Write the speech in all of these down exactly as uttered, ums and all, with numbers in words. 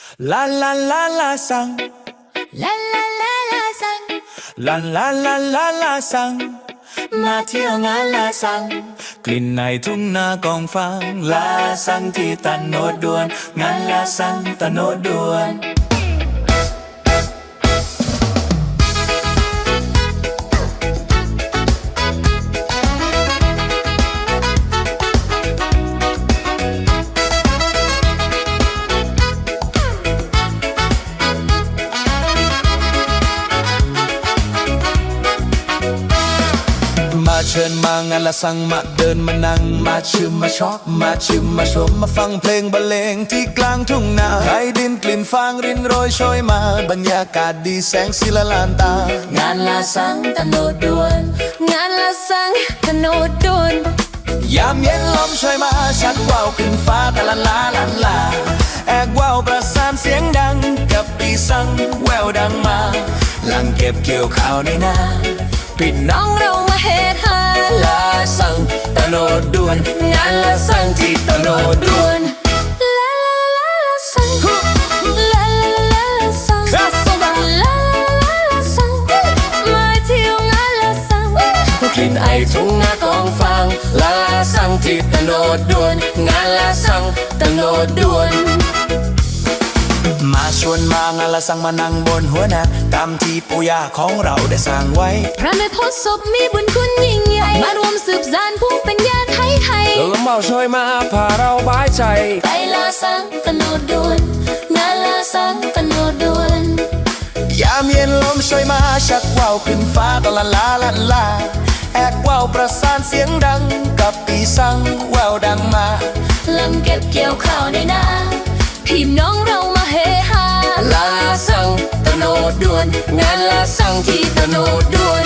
ลาลาลาลาซังลาลาลาลาซังลาลาลาลาลาซังมาเที่ยวงานลาซังกลิ่นในทุ่งนากองฟางลาซังที่ตะโนดดวนงานลาซังตะโนดดวนมาเชิญมางานละสังมาเดินมานั่งมาชิมมาช็อปมาชิมมาชมมาฟังเพลงบรรเลงที่กลางทุ่งนาไร้ดินกลิ่นฟางรินโรยโชยมาบรรยากาศดีแสงสีละลานตางานลาซังตะโนดดวนงานลาซังตะโนดดวนยามเย็นลมช่วยมาชักว่าวขึ้นฟ้าตะละลาลันลาแอกว่าวประสานเสียงดังกับปีสังแววดังมาหลังเก็บเกี่ยวข้าวในนาพี่น้องเรามาเฮฮาลาซังตะโนดดวนงานลาซังที่ตะโนดดวนลาลาลาลาซังลาลาลาลาซังลาลาลาลาซังมาเที่ยวงานลาซังกลิ่นไอทุ่งนากองฟางลาซังที่ตะโนดดวนงานลาซังตะโนดดวนมาชวนมางานละสังมานั่งบนหัวนาตามที่ปู่ย่าของเราได้สร้างไว้พระแม่โพธิ์ศพมีบุญคุณยิ่งใหญ่มารวมสืบสานภูมิปัญญาไทยไทยลมเบาช่วยมาพาเราบายใจไปลาสังตะโนดดวนงานลาสังตะโนดดวนยามเย็นลมช่วยมาชักว่าวขึ้นฟ้าตะละลาลันลาแอกว่าวประสานเสียงดังกับปีสังแววดังมาลำเก็บเกี่ยวข้าวในนาพี่น้องเรามาเฮฮาลาซังตะโนดดวนงานลาซังที่ตะโนดดวน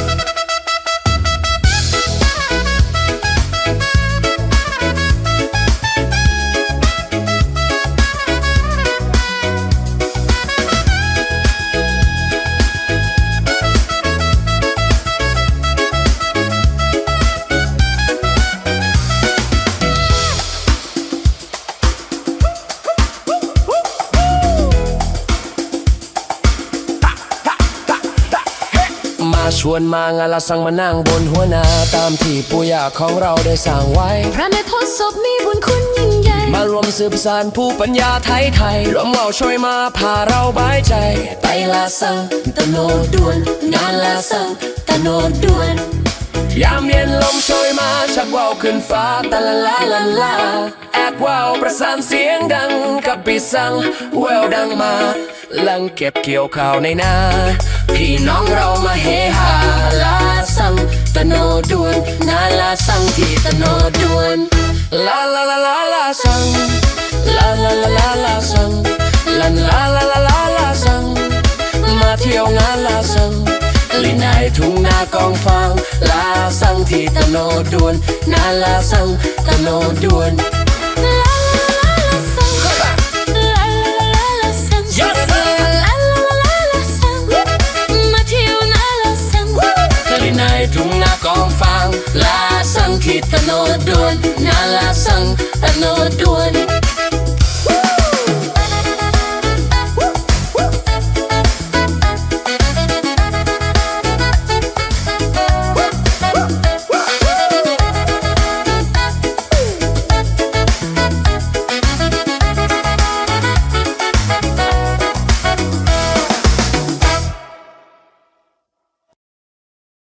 ชวนมางานละสังมานั่งบนหัวนาตามที่ปู่ย่าของเราได้สร้างไว้พระแม่โพธิ์ศพมีบุญคุณยิ่งใหญ่มารวมสืบสานผู้ปัญญาไทยไทยร่วมว่าวช่วยมาพาเราบายใจไปลาสังตะโนดดวนงานลาสังตะโนดดวนยามเย็นลมช่วยมาชักว่าวขึ้นฟ้าตะละลาลันลาแอกว่าวประสานเสียงดังกับปีสังแววดังมาหลังเก็บเกี่ยวข้าวในนาพี่น้องเรามาเฮฮาลาซังตะโนดดวนงานลาซังที่ตะโนดดวนลาลาลาลาลาซังลาลาลาลาลาซังลันลาลาลาลาลาซังมาเที่ยวงานลาซังลินไอทุ่งนากองฟางลาซังที่ตะโนดดวนงานลาซังตะโนดดวน